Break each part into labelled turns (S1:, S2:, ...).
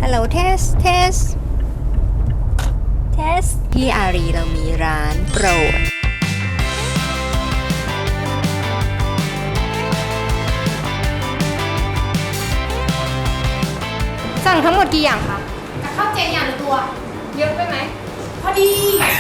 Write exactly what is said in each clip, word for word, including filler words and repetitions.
S1: ฮัลโหลเทสเทสเทสที่อารีเรามีร้านโปรดสั่งทั้งหมดกี่อย่างคะข้าวเจอย่างละตัวเยอะไปไหมพอดี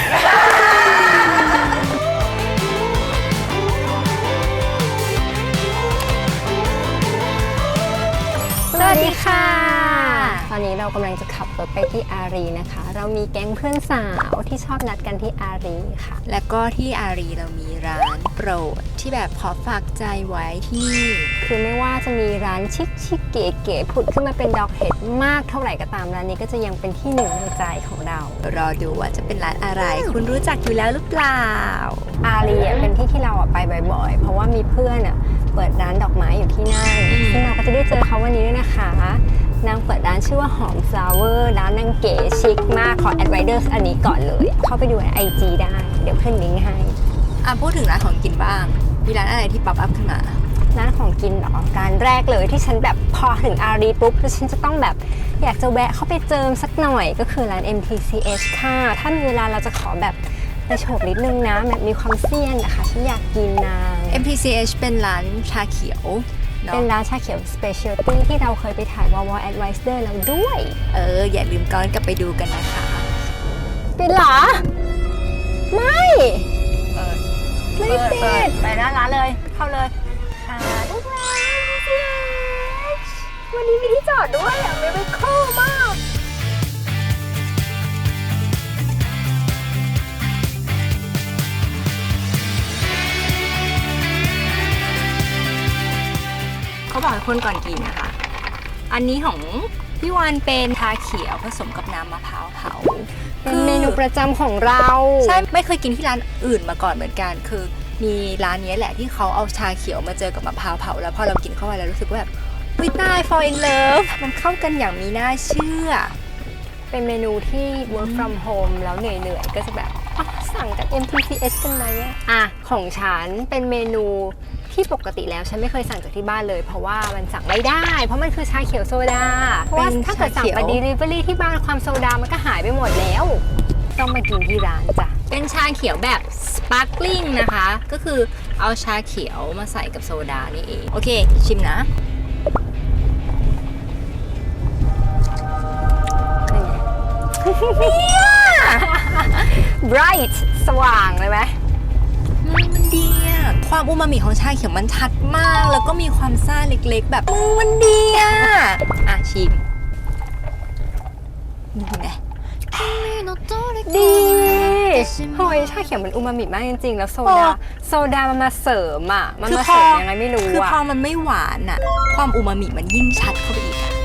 S1: สวัสดีค่ะตอนนี้เรากำลังจะขับรถไปที่อารีนะคะเรามีแก๊งเพื่อนสาวที่ชอบนัดกันที่อารีค่ะและก็ที่อารีเรามีร้านโปรดที่แบบขอฝากใจไว้ที่นี่คือไม่ว่าจะมีร้านชิคชิคเก๋เก๋ผุดขึ้นมาเป็นดอกเห็ดมากเท่าไหร่ก็ตามร้านนี้ก็จะยังเป็นที่หนึ่งในใจของเรารอดูว่าจะเป็นร้านอะไรคุณรู้จักอยู่แล้วหรือเปล่าอารีเป็นที่ที่เราไปบ่อยๆเพราะว่ามีเพื่อนอ่ะเปิดร้านดอกไม้อยู่ที่นั่นซึ่งเราก็จะได้เจอเขาวันนี้ด้วยนะคะนางเปิดร้านชื่อว่าหอม flower ร้านนางเก๋ชิคมากขอ advisors อันนี้ก่อนเลยเข้าไปดูใน ไอ จี ได้เดี๋ยวขึ้นลิงก์ให้อ่ะพูดถึงร้านของกินบ้างมีร้านอะไรที่ป๊อปอัพขึ้นมาร้านของกินเหรอร้านแรกเลยที่ฉันแบบพอถึงอารีปุ๊บแล้วฉันจะต้องแบบอยากจะแวะเข้าไปเจิมสักหน่อยก็คือร้าน เอ็ม ที ซี เอช ค่ะถ้ามีเวลาเราจะขอแบบไปโฉบนิดนึงนะแบบมีความเซียนนะคะฉันอยากกินนาง เอ็ม ที ซี เอช เป็นร้านชาเขียวเป็นร้านชาเขียว Specialty ที่เราเคยไปถ่ายวอลวอล Advisor แล้วด้วยเอออย่าลืมก้อนกลับไปดูกันนะคะปิดเหรอไม่เปิดไม่ปิดไปหน้าร้านเลยเข้าเลยค่ะทุกร้าน เอ็ม ที ซี เอช วันนี้มีที่จอดด้วยอ่ะไม่ไม่คู่มากเขาบอกให้คนก่อนกินนะคะอันนี้ของพี่วานเป็นชาเขียวผสมกับน้ำมะพร้าวเผาเป็นเมนูประจำของเราใช่ไม่เคยกินที่ร้านอื่นมาก่อนเหมือนกันคือมีร้านนี้แหละที่เขาเอาชาเขียวมาเจอกับมะพร้าวเผาแล้วพอเรากินเข้าไปแล้วรู้สึกว่าแบบวิตาย fall in love มันเข้ากันอย่างมีน่าเชื่อเป็นเมนูที่ work from home แล้วเหนื่อยๆก็จะแบบสั่งกับ เอ็ม ที ซี เอช กันไหมอ่ะของฉันเป็นเมนูที่ปกติแล้วฉันไม่เคยสั่งจากที่บ้านเลยเพราะว่ามันสั่งไม่ได้เพราะมันคือชาเขียวโซดาเพราะว่าถ้าเกิดสั่งไป delivery ที่บ้านความโซดามันก็หายไปหมดแล้วต้องมากินที่ร้านจ้ะเป็นชาเขียวแบบ sparkling นะคะก็คือเอาชาเขียวมาใส่กับโซดานี่เองโอเคชิมนะเนี่ย bright สว่างเลยไหมมันดีอ่ะความอูมามิของชาเขียวมันชัดมากแล้วก็มีความซ่าเล็กๆแบบมันดีอ่ะอ่ะชิมดูไงดีเฮ้ยชาเขียวมันอูมามิมากจริงๆแล้วโซดาโซดามันมาเสริมอ่ะมันมาเสริมยังไงไม่รู้อ่ะคือพอมันไม่หวานอ่ะความอูมามิมันยิ่งชัดเข้าไปอีกอ่ะ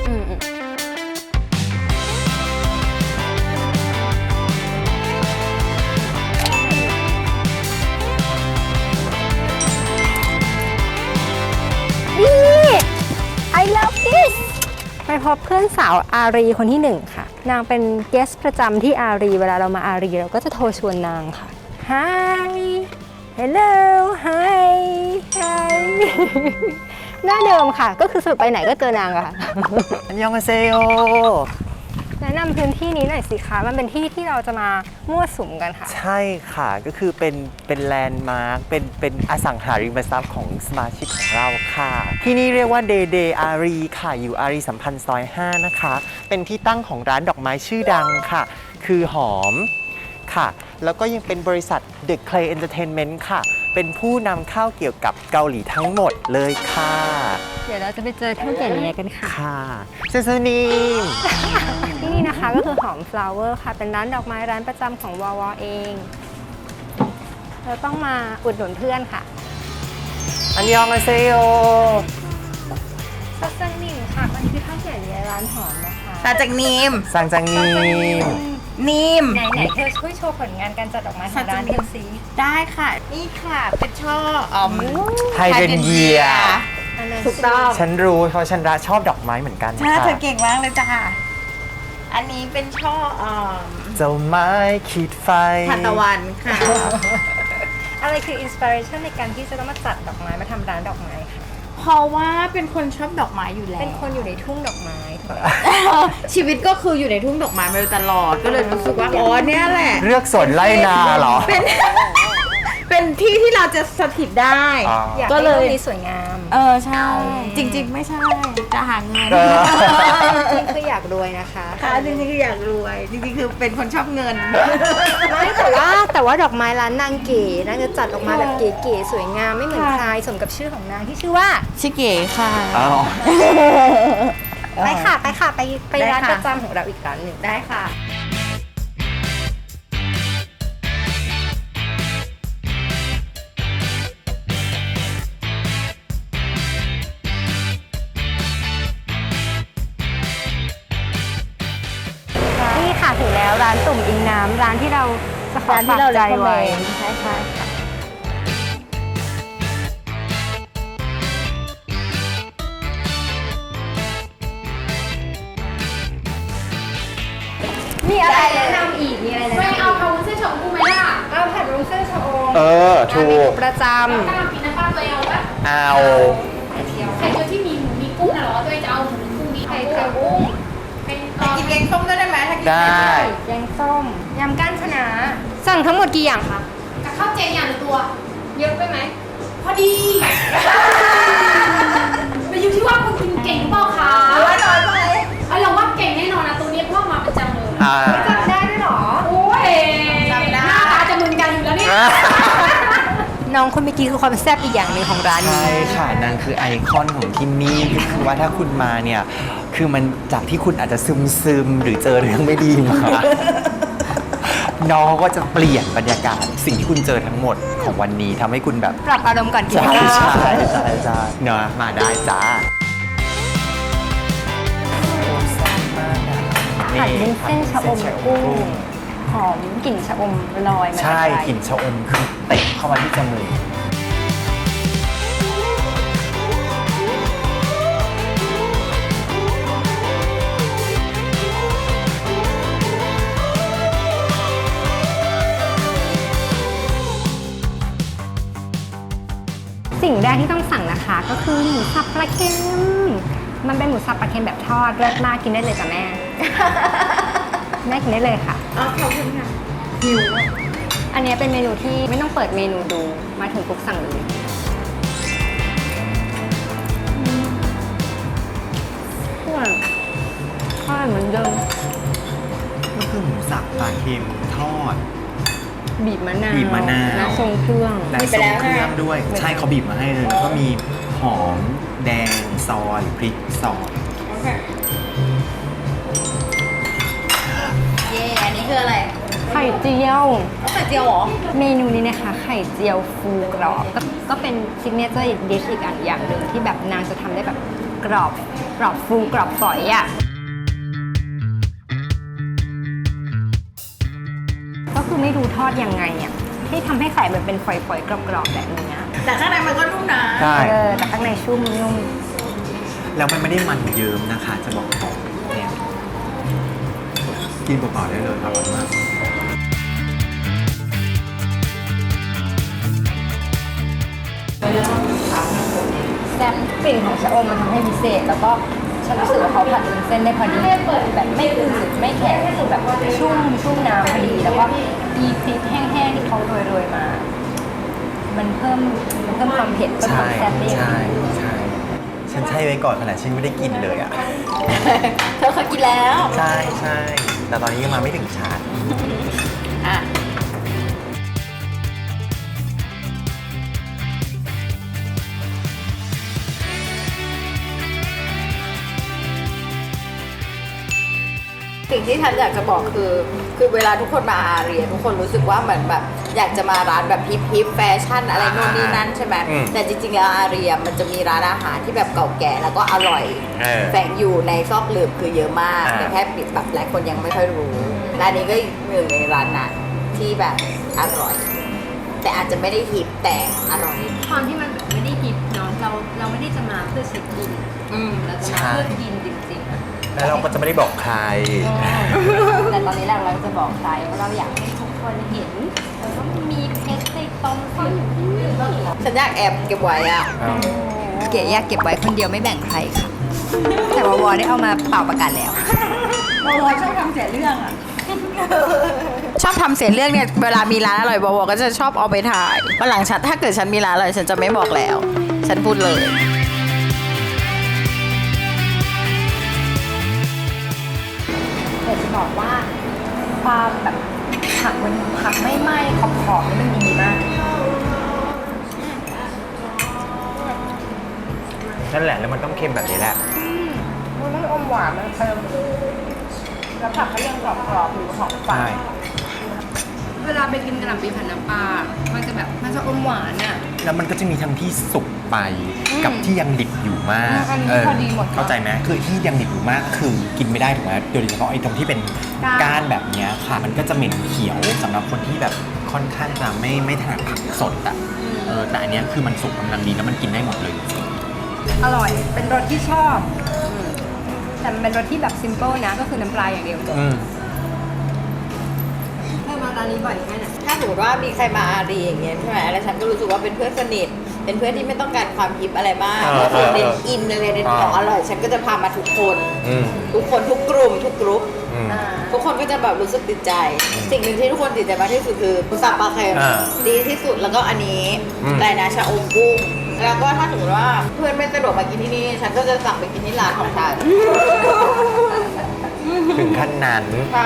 S1: I love this ไปพบเพื่อนสาวอารีคนที่หนึ่งค่ะนางเป็นเกสประจำที่อารีเวลาเรามาอารีเราก็จะโทรชวนนางค่ะ Hi Hello Hi Hi หน้าเดิมค่ะก็คือสรุปไปไหนก็เจอนางอะค่ะอันยองอาเซโอแนะนำพื้นที่นี้หน่อยสิคะมันเป็นที่ที่เราจะมามั่วสุมกันค่ะ
S2: ใช่ค่ะก็คือเป็นเป็นแลนด์มาร์คเป็นเป็นอสังหาริมทรัพย์ของสมาชิกของเราค่ะที่นี่เรียกว่าเดเดอารีค่ะอยู่อารีสัมพันธ์ซอยห้านะคะเป็นที่ตั้งของร้านดอกไม้ชื่อดังค่ะคือหอมค่ะแล้วก็ยังเป็นบริษัท The Clay Entertainment ค่ะเป็นผู้นำเข้าเกี่ยวกับเกาหลีทั้งหมดเลยค่ะ
S1: เดี๋ยวเราจะไปเจอเท่าแก่เนี้ยกันค่ะ
S2: ค่ะเซซานี
S1: ที่นี่นะคะก็คือหอม flower ค่ะเป็นร้านดอกไม้ร้านประจำของวอวเองเราต้องมาอุดหนุนเพื่อนค่ะ
S2: อันยองอาเซโอ
S1: ซักจังนิมค่ะวันนี้คือเท่าแก่เนี้ยร้านหอมนะคะ
S3: ซาจังนิม
S2: ซังจังนิม
S3: นิม
S1: ไหนไหนเธอช่วยโชว์ผลงานการจัดดอกไม้ของร้านเธอสิ
S3: ได้ค่ะนี่ค่ะเป็นช่ออ๋อม
S2: ไฮเดรนเยีย
S3: ถูกต้อง
S2: ฉันรู้เพราะฉันรักชอบดอกไม้เหมือนกัน
S3: ใช่เธอเก่งมากเลยจ้ะอันนี้เป็นช่ออ๋อม
S2: เจ้าไม้ขีดไฟ
S3: ทานตะวันค่ะ
S1: อะไรคืออินสปิเรชันในการที่จะต้องมาจัดดอกไม้มาทำร้านดอกไม้ค่ะ
S3: เพราะว่าเป็นคนชอบดอกไม้อยู่แล้ว
S1: เป็นคนอยู่ในทุ่งดอกไม้
S3: ชีวิตก็คืออยู่ในทุ่งดอกไม้มาโดยตลอด ก็เลยรู้สึกว่าอ๋อเนี่ยแหละ
S2: เลือกสวนไร่นาเหรอ
S3: เป็น เป็นที่ที่เราจะสถิตได้
S2: อ๋อ
S1: อยาก
S3: ก็
S1: ให้
S3: เล
S1: โล
S3: ย
S1: กนี้สวยงาม
S3: เออใช่ จริง ๆ ไม่ใช่ จะหาเงิน
S2: เออ
S1: จริงๆคืออยากรวยนะคะ
S3: ค่ะจริงๆคืออยากรวย จริงๆคือเป็นคนชอบเงิน
S1: ไม่แต่ว่าแต่ว่าดอกไม้ร้านนางเก๋นางจะจัดออกมาแบบเก๋ๆสวยงามไม่เหมือน
S3: ค่ะ
S1: ใครสมกับชื่อของนางที่ชื่อว่า
S3: ชิเก๋ค่ะ
S2: อ้าว
S1: ไปค่ะไปค่ะไปไป
S3: ได้
S1: ร้าน
S3: ค่ะ
S1: ประจำของเราอีกร้านหนึ่ง
S3: ได้ค่ะ
S1: นี่ค่ะถึงแล้วร้านตุ่มอิงน้ำร้านที่เราจะขอ
S3: ร้านที่
S1: ฝาก
S3: เรา
S1: ใจ
S3: recommend
S1: ไว้
S3: ใช่ค่ะ
S1: มีอะไรแนะนำอีกมีอะไรแนะนำ
S4: ไม่เอาพาวุ้นเส้นชมพูไหมล่ะ
S1: เอาผัดวุ้นเส้นชะอม
S2: เออ ถู
S1: เมนู
S2: ก
S1: ประจ
S4: ถ้าทำกินน้ำปลาตัวเองเอาปะ
S2: เอา
S1: ำไข่เจียว
S4: ไข่เจียวที่มีหมูมีกุ้งนะเหรอตัวเองจะเอาหมูมีกุ้งมี
S1: ไข่เจียวกุ้ง
S4: เป็น
S3: ไปกินแกงส้มด้วยได้ไหมถ้ากิน
S2: ได้
S1: แกงส้มยำก้านคะน้าสั่งทั้งหมดกี่อย่างคะ
S4: กับข้าวเจอย่างละตัว
S1: เยอะไปไหม
S4: พอดีมันอยู่ที่ว่าคุณกินเก่งหรือเปล่าคะ
S3: น้อยน้อยไป
S4: เอ้ยเราว่าเก่งแน่นอนนะตัวนี้เพราะว่ามาประจำเลย
S2: อ่า
S1: จำได้ด้วยเหรอ
S4: โอ้ยหน้าตาจะมึนกันอยู่แล้วเนี่ย
S1: น้องคนเมื่อกี้คือความแซ่บอีกอย่างหนึ่งของร้าน
S2: ใช่
S1: นี้
S2: ค่ะนางคือไอคอนของที่นี่ก็คือว่าถ้าคุณมาเนี่ย คือมันจากที่คุณอาจจะซึมซึมๆหรือเจอเรื่องไม่ดีมา น้องก็จะเปลี่ยนบรรยากาศสิ่งที่คุณเจอทั้งหมดของวันนี้ทำให้คุณแบบ
S1: ปรับอารมณ์ก่อนกิน
S2: ใช่
S1: ข้าว
S2: ใช่ใช่ใช่เนอะมาได้จ้า
S1: ผัดวุ้นเส้นชะอมกุ้งหอมกลิ่นชะอมลอยมา
S2: ใช่
S1: แต่ไ
S2: กลิ่นชะอมคือเตะเข้ามาที่จมูก
S1: สิ่งแรกที่ต้องสั่งนะคะ ก็คือหมูสับปลาเค็มมันเป็นหมูสับปลาเค็มแบบทอดเลิศมากกินได้เลยจ้ะแม่ แม่กินได้เลยค่ะ
S3: อ๋อขอบคุณค่ะ
S1: หิวอันนี้เป็นเมนูที่ไม่ต้องเปิดเมนูดูมาถึงปุ๊บสั่งเลยอร่อยอร่อยเหมือนเดิม
S2: ก็คือหมูสับปลาเค็มทอด
S1: บีบมะนาว
S2: บีบมะนาว
S1: และทรงเครื่อง
S2: และ
S3: มีไป
S2: ทร
S3: แล้
S2: ง
S3: ว
S2: เครื่อง
S3: นะ
S2: ด้วย ใช่เขาบีบมาให้เลย แล้วก็มีหอมแดงซอยพริกซอย
S3: โอเค เย่อันนี้คืออะไร
S1: ไข่เจียว
S3: เอาไข่เจียวเหรอ
S1: เมนูนี้นะคะไข่เจียวฟูกรอบก็ก็เป็นซิกเนเจอร์ดิชอีกอันอย่างหนึ่งที่แบบนางจะทำได้แบบกรอบกรอบฟูกรอบฝอยอ่ะก็คือไม่รู้ทอดยังไงอ่ะที่ทำให้ไข่มันเป็นฝอยๆกรอบๆแบบนี้อะ
S3: แต่ข้างในมันก็นุ่มนะ
S2: ใช่
S1: เออแต่ข้างในชุ่มนุ่ม
S2: แล้วมันไม่ได้มันเยิ้มนะคะ จะบอกก่อนเนี่ยกินเปล่าๆได้เลยอร่อยมาก
S1: แซ่บกลิ่นของชะอมมันทำให้พิเศษ แล้วก็ฉันรู้สึกว่าเขาผัดวุ้นเส้นได้พอดีแบบไม่อืดไม่แข็งคือแบบชุ่มชุ่มน้ำพอดี แล้วก็มีพริกแห้งๆที่เขาโรยๆมา มันเพิ่มมันเพิ่มความเผ็ดเพิ่มความแซ่บได้อย่าง
S2: ใช่
S1: ดี
S2: ใช่ฉันใช่ไว้ก่อนขนาดฉันไม่ได้กินเลยอ่ะ
S3: เธอเคยกินแล้ว
S2: ใช่ใช่แต่ตอนนี้ยังมาไม่ถึงชาร์จ
S3: อ่ะ สิ่งที่ฉันอยากจะบอกคือ คือเวลาทุกคนมาอาเรียทุกคนรู้สึกว่าเหมือนแบบอยากจะมาร้านแบบฮิปฮิปแฟชั่นอะไรโน่นนี่นั่นใช่ไหม
S2: อืม
S3: แต่จริงๆแล้วอาเรียมันจะมีร้านอาหารที่แบบเก่าแก่แล้วก็อร่อย
S2: เออ
S3: แฝงอยู่ในซอกหลืบคือเยอะมาก
S2: อ่า
S3: แต่แค่ปิดแบบหลายคนยังไม่ค่อยรู้ร้านนี้ก็อีกหนึ่งในร้านนั้นที่แบบอร่อย แต่อาจจะไม่ได้ฮิปแต่อร่อย
S1: ความที่มันแบบไม่ได้ฮิตเนาะเราเราไม่ได้จะมาเพื่อเช็คอิน
S3: อืม
S1: เราจะมาเพื่อกินจริงๆอะ
S2: แล้วเราก็จะไม่ได้บอกใคร
S1: แต่ตอนนี้เราเราจะบอกใครว่าเราอยากให้ทุกคนเห็นแล้วก็มีเพชรในตรงซ่อนอยู่ที่นี่
S3: ฉันอยากแอบเก็บไว้อะ
S2: เอา
S3: เก็บก๋อยากเก็บไว้คนเดียวไม่แบ่งใครค่ะ แต่วอวอได้เอามาเป่าประกาศแล้ว
S4: วอวอชอบทำเสียเรื่องอ่ะ
S3: ชอบทำเสียเรื่องเนี่ยเวลามีร้านอร่อยวอวอก็จะชอบเอาไปถ่ายวันหลังฉันถ้าเกิดฉันมีร้านอร่อยฉันจะไม่บอกแล้ว ฉันพูดเลยอยากจะบอกว่าความแบบผักมันผักไม่ไหม้ขอบๆนี่มันดีมาก
S2: นั่นแหละแล้วมันต้องเค็มแบบนี้แหละ
S3: มันไม่อมหวานมันเค็มแล้วผักก็ยังกรอบๆอยู่หอมฝาดเวลาไปกินกระหล่ำปีผัดน้ำปลา มันจะแบบมันจะอมหวานอ่ะ
S2: แล้วมันก็จะมีทั้งที่สุกไปกับที่ยังดิบอยู่มาก
S3: อันนี้พอดีหมด
S2: เข้าใจไหมคือที่ยังดิบอยู่มากคือกินไม่ได้ถูกไหมโดยเฉพาะไอ้ตรงที่เป็น
S3: ก้าน
S2: ก้านแบบเนี้ยค่ะ มันก็จะเหม็นเขียวสำหรับคนที่แบบค่อนข้างจะไม่ไม่ถนัดผักสดอ่ะเออแต่อันเนี้ยคือมันสุกกำลังดีแล้วมันกินได้หมดเลย
S3: อร่อย เป็นรสที่ชอบแต่มันเป็นรสที่แบบซิมเปิลนะ ก็คือน้ำปลาอย่างเดียวจบ
S2: อืม
S1: เธอมาร้านนี้บ่อยแค่ไหน
S3: ถ้าสมมติว่ามีใครมาอารีอย่างเงี้ยใช่ไหมแล้วฉันก็รู้สึกว่าเป็นเพื่อนสนิท เป็นเพื่อนที่ไม่ต้องการความฮิปอะไรมาก
S2: เออ
S3: ก็คือ
S2: เออ
S3: เน้นอินเลยเน้นของอร่อย ฉันก็จะพามาทุกคน
S2: อืม
S3: ทุกคนทุกกลุ่มทุกกรุ๊ป
S2: อืม
S3: ทุกคนก็จะแบบรู้สึกติดใจ สิ่งหนึ่งที่ทุกคนติดใจมากที่สุดคือสับปลาเค็ม
S2: อ่า
S3: ดีที่สุดแล้วก็อันนี้
S2: อืม
S3: อะไรนะชาอมกุ้งแล้วก็ถ้าสมมติว่าเพื่อนไม่สะดวกมากินที่นี่ ฉันก็จะสั่งไปกินที่ร้านของฉัน
S2: ถึงขั้นนั้น
S3: ใช่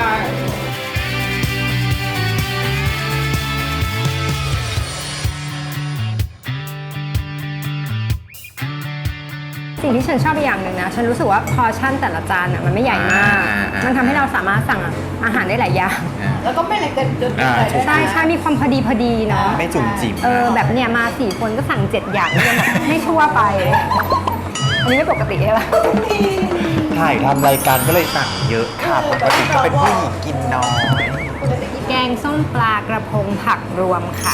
S1: สิ่งที่ฉันชอบอีกอย่างหนึ่งนะ ฉันรู้สึกว่าพอร์ชั่นแต่ละจานอ่ะมันไม่ใหญ่มาก
S2: อ่าอ่า
S1: มันทำให้เราสามารถสั่งอาหารได้หลายอย่าง
S3: แล้วก็ไม่อะไรเกินจนเกิน
S2: อ่า
S3: ไปด้วยนะ
S1: ใช่ใช่มีความพอดีพอดีเนาะ
S2: ไม่จุ่มจิ๋ม
S1: เออแบบเนี่ยมาสี่คนก็สั่งเจ็ดอย่างนี่แบบให้ชั่วไป อันนี้ไม่ปกติใช่ปะ
S2: ถ่ายทำรายการก็เลยสั่งเยอะค่ะปกติก็เป็นผู้หญิงกินน้อย
S1: แกงส้มปลากระพงผักรวมค่ะ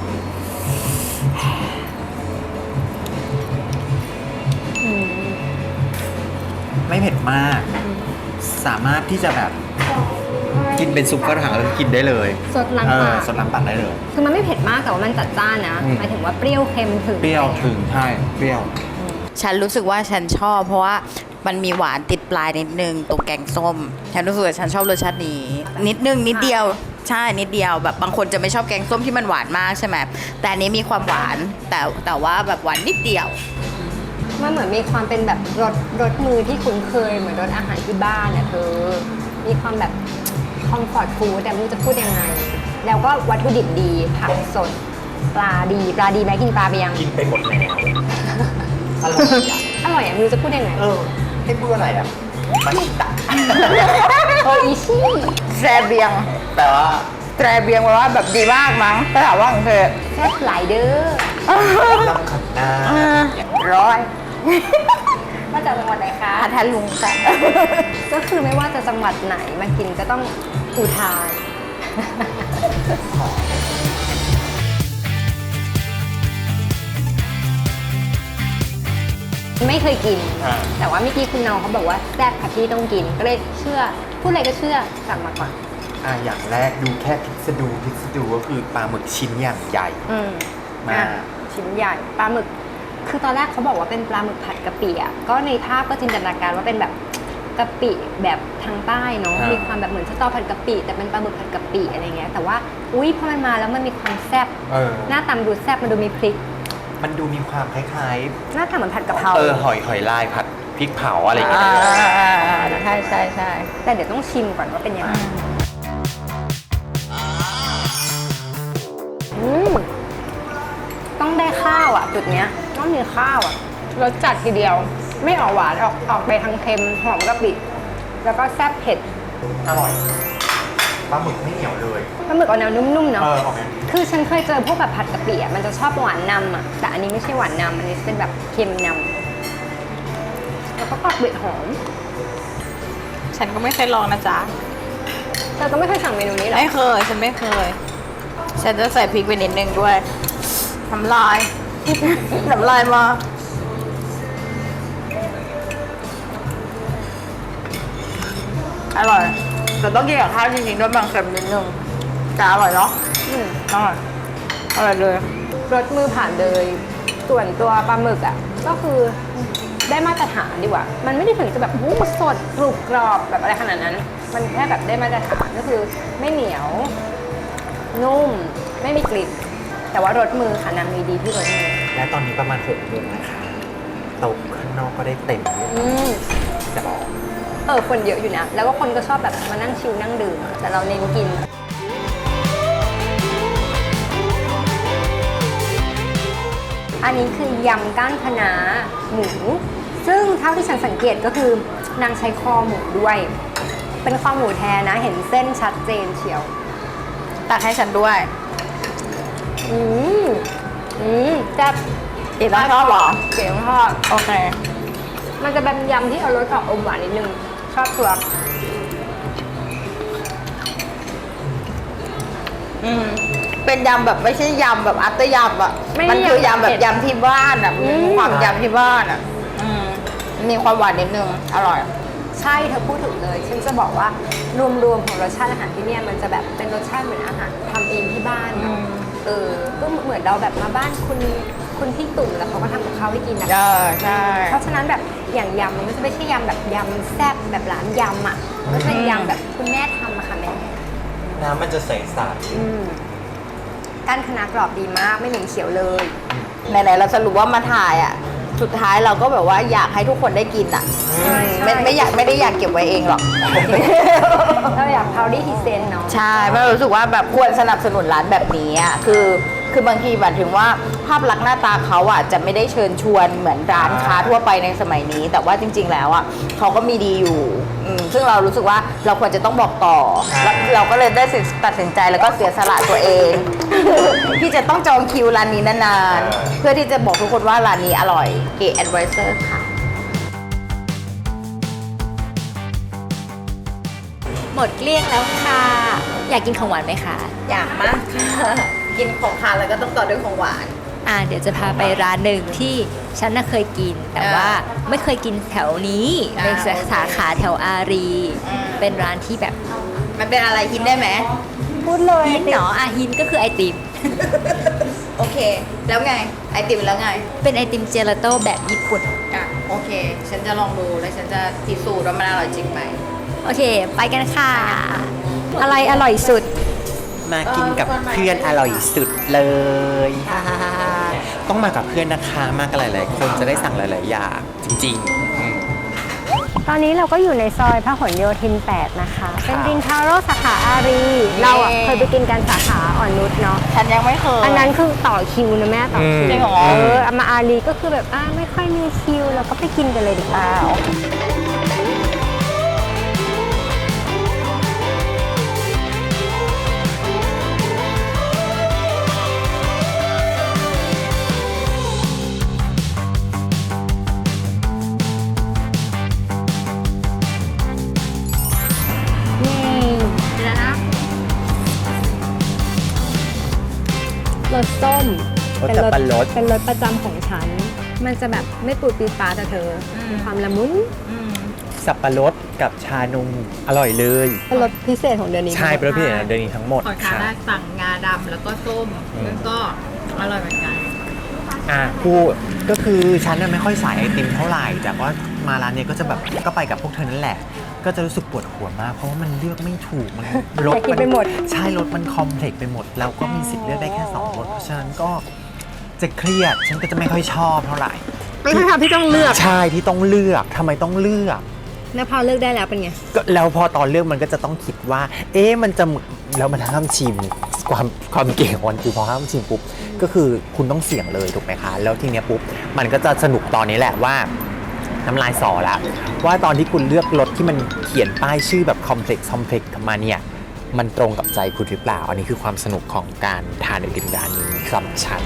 S1: อืม
S2: ไม่เผ็ดมาก สามารถที่จะแบบกินเป็นซุปกระถังแล้วกินได้เลย
S1: สดล้าง
S2: เอ
S1: ปา
S2: อก สดล้างปากได้เลย
S1: คือมันไม่เผ็ดมากแต่ว่ามันจัดจ้านนะ
S2: อืม
S1: หมายถึงว่าเปรี้ยวเค็มถึง
S2: เปรี้ยวถึงใช่เปรี้ยว
S3: ฉันรู้สึกว่าฉันชอบเพราะว่ามันมีหวานติดปลายนิดนึงตรงแกงส้ม ฉันรู้สึกว่าฉันชอบรสชาตินี้ นิดนึงนิดเดียว ใช่นิดเดียวแบบบางคนจะไม่ชอบแกงส้มที่มันหวานมากใช่ไหมแต่อันนี้มีความหวานแต่แต่ว่าแบบหวานนิดเดียว
S1: มันเหมือนมีความเป็นแบบรสรสมือที่คุ้นเคยเหมือนรสอาหารที่บ้านเนี่ยเธอมีความแบบคอมฟอร์ตฟู้ดแต่ไม่รู้จะพูดยังไง แล้วก็วัตถุดิบดีผักสดปลาดีปลาดีไหมกินปลาไปยัง
S2: กินไปหมดแล้วอร่อยอ่ะ
S1: อร่อยอ่ะไม่รู้จะพูดยังไง
S2: เออให้พูดอะไรอ่ะมาชิตะ
S1: โออิชิ
S3: แซเบียง
S2: แต่ว่า
S3: แซเบียงแปลว่าแบบดีมากมั้งภาษาว่าของเธอ
S1: แซ่บหลายเด้อ
S2: ลำขันหน้า
S3: ร้อย
S1: มาจากจังหวัดไหนคะ
S3: พัทลุงค่ะ
S1: ก็คือไม่ว่าจะจังหวัดไหนมากินก็ต้องอุทาน ไม่เคยกิน
S2: อ่า
S1: แต่ว่าเมื่อกี้คุณน้องเขาบอกว่าแซ่บค่ะพี่ต้องกิน ก็เลยเชื่อ พูดอะไรก็เชื่อสั่งมาก่อน
S2: อ่ะอย่างแรกดูแค่พิสดูพิสดูก็คือปลาหมึกชิ้นอย่างใหญ่
S1: อืม
S2: มา
S1: อ่ะชิ้นใหญ่ปลาหมึก คือตอนแรกเขาบอกว่าเป็นปลาหมึกผัดกะปิอ่ะก็ในภาพก็จินตนาการว่าเป็นแบบกะปิแบบทางใต้เนาะ
S2: อ่ามี
S1: มีความแบบเหมือนสตอผัดกะปิแต่เป็นปลาหมึกผัดกะปิอะไรเงี้ยแต่ว่าอุ้ยพอมันมาแล้วมันมีความแซ่บ
S2: เออ
S1: หน้าตามนดูแซ่บมันดูมีพริก
S2: มันดูมีความคล้าย
S1: หน้าตาเหมือนผัดกะเพรา
S2: ๆ เออ หอยหอยลายผัดพริกเผาอะไรอย่างเงี้ย
S3: ใช่ใช่ใช่
S1: แต่เดี๋ยวต้องชิมก่อนว่าเป็นยังไงอืมต้องได้ข้าวอ่ะ จุดเนี้ยต้องมีข้าวอ่ะรสจัดทีเดียว ไม่ออกหวานออกออกไปทางเค็มหอมกะปิแล้วก็แซ่บเผ็ด
S2: อร่อย ปลาหมึกไม่เหนียวเลย
S1: ปลาหมึกออกแนวนุ่มๆเนาะ
S2: เออออกแนว
S1: คือฉันเคยเจอพวกแบบผัดกะปิอ่ะมันจะชอบหวานนำอ่ะแต่อันนี้ไม่ใช่หวานนำอันนี้เป็นแบบเค็มนำแล้วก็กรอบเบ็ดหอม
S3: ฉันก็ไม่เคยลองนะจ๊ะ
S1: เธอก็ไม่เคยสั่งเมนูนี้หรอ
S3: ไม่เคย ฉันไม่เคย ฉันจะใส่พริกไปนิดนึงด้วยน้ำลาย น้ำลายมาอร่อยแต่ต้องกินกับข้าวจริงๆด้วยบางเค็มนิดนึงแต่อร่อยเนาะ
S1: อืม
S3: อร่อยอร่อยเลย
S1: รสมือผ่านเลย ส่วนตัวปลาหมึกอ่ะก็คือได้มาตรฐานดีกว่า มันไม่ได้ถึงจะแบบวู้สดกรุบกรอบแบบอะไรขนาดนั้น มันแค่แบบได้มาตรฐานก็คือไม่เหนียว นุ่ม ไม่มีกลิ่น แต่ว่ารสมือค่ะนางมีดีที่รสมือ
S2: และตอนนี้ประมาณหกโมงนะคะโต๊ะข้างนอกก็ได้เต็มเรียบ
S1: อื
S2: ร้อย
S1: ม
S2: จะบอก
S1: เออคนเยอะอยู่นะ แล้วก็คนก็ชอบแบบมานั่งชิลนั่งดื่มอะแต่เราเน้นกิน อันนี้คือยำก้านคะน้าหมู ซึ่งเท่าที่ฉันสังเกตก็คือนางใช้คอหมูด้วย เป็นคอหมูแท้นะ เห็นเส้นชัดเจนเชียว
S3: ตักให้ฉันด้วย
S1: อืมอืมจะ
S3: เอ๋ต้องชอบเหรอ
S1: เก๋ชอบ
S3: โอเค
S1: มันจะเป็นยำที่เอารสออกอมหวานนิดนึง ชอบตัว
S3: อืมเป็นยำแบบไม่ใช่ยำแบบอัตเตอร์ยำอ่ะ
S1: ไม่
S3: มันคือยำ
S1: ยำ
S3: แบบ
S1: เผ็ด
S3: ยำที่บ้านอ่ะ
S1: อืม
S3: มีความยำที่บ้านอ่ะ อืมมีความหวานนิดนึง อร่อย
S1: ใช่เธอพูดถูกเลย ฉันจะบอกว่ารวมๆของรสชาติอาหารที่เนี่ยมันจะแบบเป็นรสชาติเหมือนอาหารทำเองที่บ้านเนอะเออ ก็เหมือนเราแบบมาบ้านคุณคุณพี่ตุ่มแล้วเขาก็ทำกับข้าวให้กินนะ
S3: เออใช่
S1: เพราะฉะนั้นแบบอย่างยำมันก็จะไม่ใช่ยำแบบยำแซ่บแบบร้านยำอ่ะมันก็จะเป็นยำแบบคุณแม่ทำอะค่ะแม่
S2: น้ำมันจะใสใส
S1: อืมก้านคะน้ากรอบดีมากไม่เหม็นเขียวเลย
S3: ไหนๆเราสรุปว่ามาถ่ายอ่ะ สุดท้ายเราก็แบบว่าอยากให้ทุกคนได้กินอ่ะ
S1: ใช่
S3: ไม่ไม่อยากไม่ได้อยากเก็บไว้เองหรอก
S1: เราอยากพาวดี้พรีเซนต์เนาะ
S3: ใช่เพราะรู้สึกว่าแบบควรสนับสนุนร้านแบบนี้อ่ะคือคือบางทีแบบถึงว่าภาพลักษณ์หน้าตาเขาอ่ะจะไม่ได้เชิญชวนเหมือนร้านค้าทั่วไปในสมัยนี้ แต่ว่าจริง ๆ แล้วอ่ะเขาก็มีดีอยู่อืมซึ่งเรารู้สึกว่าเราควรจะต้องบอกต่อแล้วเราก็เลยได้ตัดสินใจแล้วก็เสียสละตัวเอง ที่จะต้องจองคิวร้านนี้นานๆเพื่อที่จะบอกทุกคนว่าร้านนี้อร่อยเก๋แอดไวเซอร์ค่ะ
S1: หมดเกลี้ยงแล้วค่ะ อยากกินของหวานไหมคะ
S3: อยากมากค่ะกินของทานแล้วก็ต้องต่อด้วยของหวาน
S1: อ่าเดี๋ยวจะพาไปร้านหนึ่งที่ฉันน่ะเคยกิน แต่ว่าไม่เคยกินแถวนี้
S3: อ่า
S1: เป็นสา
S3: โอเค
S1: สาขาแถวอารี
S3: อืม
S1: เป็นร้านที่แบบ
S3: มันเป็นอะไรกินได้ไหม
S1: พูดเลยฮินเนาะอ่ะฮินก็คือไอติม
S3: โอเค แล้วไง ไอติมแล้วไง
S1: เป็นไอติมเจลาโต้แบบญี่ปุ่น
S3: อ่ะ โอเค ฉันจะลองดูแล้วฉันจะพิสูจน์ว่ามันอร่อยจริงไหม
S1: โอเค ไปกันค่ะ อะไรอร่อยสุด
S2: มากินกับเพื่อนอร่อยสุดเลยต้องมากับเพื่อนนะคะ มากันหลายๆคนจะได้สั่งหลายๆอย่างจริงๆอืม
S1: ตอนนี้เราก็อยู่ในซอยพหลโยธิน แปด นะคะ
S2: ครับ
S1: เป็นรินทาโร่สาขาอารี เราอ่ะเคยไปกินกันสาขาอ่อนนุชเนาะ
S3: ฉันยังไม่เคย
S1: อันนั้นคือต่อคิวนะแม่ต่อคิว
S3: จริงเหรอ
S1: เออเอามาอารีก็คือแบบอ่าไม่ค่อยมีคิวเราก็ไปกินกันเลยดีกว่า นี่นะรสส้ม
S2: รสสับปะรด
S1: เป็นรสประจำของฉัน มันจะแบบไม่ปูดปีดปาแต่เธออมีความละมุน
S2: สับปะรดกับชานมอร่อยเลย
S1: เป็นรสพิเศษของเดือนนี้
S2: ใช่เป็นรสพิเศษของเดือนนี้ทั้งหมด
S3: ขอทาน
S2: ค่ะ
S3: ได้สั่งงาดำแล้วก็ส้ม
S2: อืม
S3: แล้วก็อร่อยเหมือนกัน
S2: อ่ะพูดก็คือฉันน่ะไม่ค่อยสายไอติมเท่าไหร่ แต่ว่ามาร้านเนี้ยก็จะแบบก็ไปกับพวกเธอนั่นแหละ ก็จะรู้สึกปวดหัวมาก เพราะว่ามันเลือกไม่ถูก มันรส
S1: อยากกินไปหมด
S2: ใช่รสมันคอมเพล็กซ์ไปหมด แล้วก็มีสิทธิ์เลือกได้แค่สองรส เพราะฉะนั้นก็จะเครียด ฉันก็จะไม่ค่อยชอบเท่าไหร่
S1: ไม่ใช่ค่ะพี่ต้องเลือก
S2: ใช่ที่ต้องเลือกทำไมต้องเลือก
S1: แล้วพอเลือกได้แล้วเป็นไง
S2: ก็แล้วพอตอนเลือกมันก็จะต้องคิดว่า เอ๊ะมันจะแล้วมันห้ามชิมความความเก่งของมันคือพอห้ามชิมปุ๊บก็คือคุณต้องเสี่ยงเลยถูกไหมคะ แล้วทีเนี้ยปุ๊บมันก็จะสนุกตอนนี้แหละว่าน้ำลายสอแล้วว่าตอนที่คุณเลือกรถที่มันเขียนป้ายชื่อแบบคอมเพล็กซ์คอมเพล็กซ์มาเนี่ยมันตรงกับใจคุณหรือเปล่า อันนี้คือความสนุกของการทานไอติมร้านนี้สำหรับฉัน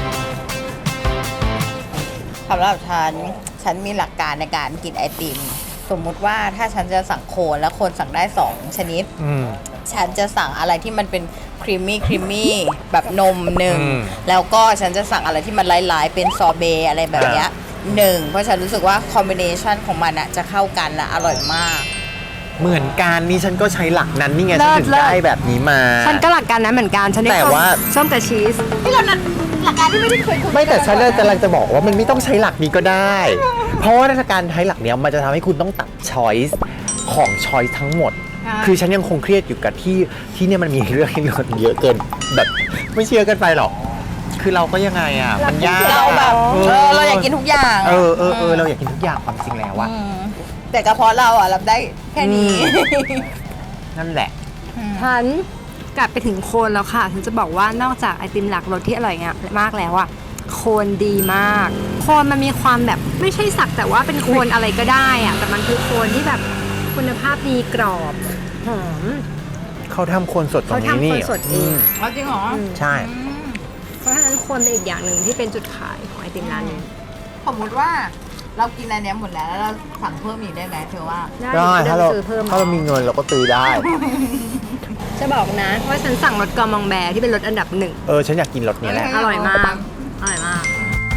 S3: สำหรับฉัน ฉันมีหลักการในการกินไอติม สมมุติว่าถ้าฉันจะสั่งโคนแล้วคนสั่งได้สองชนิด
S2: อืม
S3: ฉันจะสั่งอะไรที่มันเป็นครีมมี่ครีมมี่แบบนมหนึ่ง
S2: อืม
S3: แล้วก็ฉันจะสั่งอะไรที่มันหลายๆเป็นซอเบต์อะไรแบบเนี้ยหนึ่งเพราะฉันรู้สึกว่าคอมบิเนชันของมันอะจะเข้ากันและอร่อยมาก
S2: เหมือนกันนี่ฉันก็ใช้หลักนั้นนี่ไง
S1: เลิ
S2: ฉัน
S1: ศ
S2: ถึง
S1: เลิศ
S2: ได้แบบนี้มา
S1: ฉันก็หลักการนั้นเหมือนกัน ฉันได้
S2: แต่ว่า
S1: ส้มกับชีส
S4: ที่เรานั้นหลักการที่ไม่ได้เคยคุย
S2: ไม่แต่ฉันกำลังจะบอกว่ามันไม่ต้องใช้หลักนี้ก็ได้ เพราะว่าการใช้หลักเนี้ยมันจะทำให้คุณต้องตัดช้อยส์ของช้อยส์ทั้งหมด คือฉันยังคงเครียดอยู่กับที่ที่เนี่ยมันมีเรื่องให้นอนเยอะเกินแบบไม่เชื่อเกินไปหรอก คือเราก็ยังไงอ่ะ มันยาก
S3: เราแบบเออเราอยากกินทุกอย่าง
S2: เออเออเออเราอยากกินทุกอย่างความจริงแล้วอะ
S3: มแต่กระเพาะเราอ่ะรับได้แค่นี้
S2: นั่นแหละ
S1: ฉันกลับไปถึงโคนแล้วค่ะฉันจะบอกว่านอกจากไอติมหลักรสที่อร่อยงามมากแล้วอะโคนดีมาก โคนมันมีความแบบไม่ใช่สักแต่ว่าเป็นโคนอะไรก็ได้อะแต่มันคือโคนที่แบบคุณภาพดีกรอบหอม
S2: เขาทำโคนสดตรงนี้นี่
S1: เขาทำโคนสดเอง
S3: เอาจริงเหรอ
S2: ใช่
S1: เพราะฉะนั้นโคนเป็นอีกอย่างหนึ่งที่เป็นจุดขายของไอติมร้านนี้
S3: สมมติว่าเรากินอันเนี้ยหมดแล้วแล้วเราสั่งเพิ่มอีกได้ไหมเธอว่า
S2: ได้
S1: ได้
S2: ถ้า
S1: เดี๋
S2: เรา
S1: ยวไปซื้อเพิ่ม
S2: ถ้าเรามีเงินเราก็ซื้อได้
S1: จะบอกนะว่าฉันสั่งรสกอมองแบร์ที่เป็นรสอันดับหนึ่ง
S2: เออฉันอยากกินรสนี้แหละ
S1: อร่อยมาก อร่อยมาก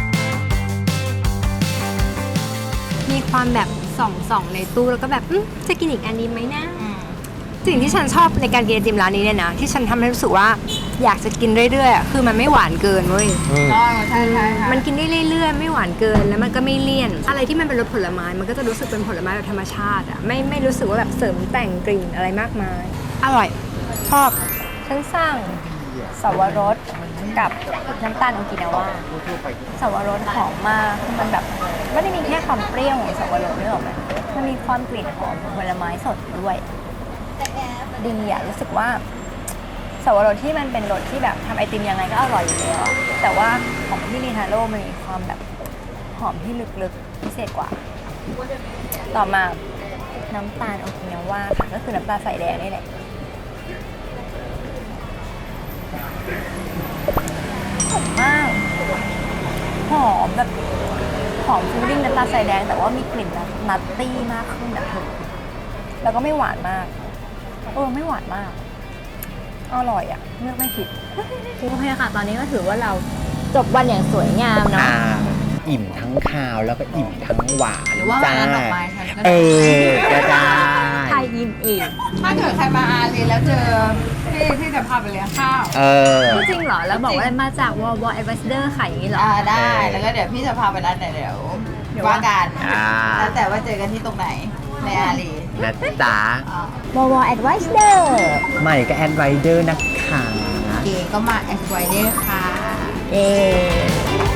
S1: มีความแบบส่องส่องๆในตู้แล้วก็แบบอื้อจะกินอีกอันนี้ไหมนะสิ่งที่ฉันชอบในการกินไอติมร้านนี้เนี่ยนะที่ฉันทำให้รู้สึกว่าอยากจะกินเรื่อยๆอะคือมันไม่หวานเกินเว้ย
S2: อืม
S3: อ๋อใช่ใช่ค่ะ
S1: มันกินได้เรื่อยๆ ไม่หวานเกินแล้วมันก็ไม่เลี่ยน อะไรที่มันเป็นรสผลไม้มันก็จะรู้สึกเป็นผลไม้แบบธรรมชาติอะไม่ไม่รู้สึกว่าแบบเสริมแต่งกลิ่นอะไรมากมาย อร่อย ชอบ ฉันสั่งสวรสกับน้ำตาลโอกินาว่าสวรสหอมมากคือมันแบบไม่ได้มีแค่ความเปรี้ยวของสวรสนี่หรอกไหมมันมีความกลิ่นหอมของผลไม้สดด้วยดีอะรู้สึกว่าสวรสที่มันเป็นรสที่แบบทำไอติมยังไงก็อร่อยอยู่แล้วอะแต่ว่าของที่รีทาโร่มันมีความแบบหอมที่ลึกๆพิเศษกว่า ต่อมาน้ำตาลโอกินาว่าค่ะก็คือน้ำตาลใส่แดงนี่แหละ หอมมาก หอมแบบหอมฟิลลิ่งน้ำตาลใส่แดงแต่ว่ามีกลิ่นแบบนัตตี้มากขึ้นนะคือแล้วก็ไม่หวานมากเออไม่หวานมากอร่อยอ่ะเลือกไม่ผิด โอเคค่ะ ตอนนี้ก็ถือว่าเราจบวันอย่างสวยงามเนาะ
S2: อ่าอิ่มทั้งคาวแล้วก็อิ่มทั้งหวาน
S3: หรือว่า
S2: จ้า
S3: ร้านดอกไม้ฉันก็
S2: เอ
S3: ได้
S2: อก็ได้
S1: ไทยยินอีก
S3: ถ้าเกิดใครมาอารีแล้วเจอพี่พี่จะพาไปเลี้ยงข้าว
S2: เออ
S1: จริงเหรอ แล้วบอกว่ามาจากวอลวอลแอดไวเดอร์ขายอย่างนี้เหรอ
S3: อ่าได้
S2: โอเค
S3: แล้วก็เดี๋ยวพี่จะพาไปร้านไหนเดี๋ยว
S1: เดี๋ยว
S3: ว่ากัน
S2: อ่า
S3: แล้วแต่ว่าเจอกันที่ตรงไหนในอารี
S2: นะจ๊ะ
S3: อ่าว
S1: อลวอลแอดไวเดอร์
S2: ใหม่ก็แอดไวเดอร์นะคะ
S3: เกก็มาแอสไวเดอร์ค่ะ
S1: เย้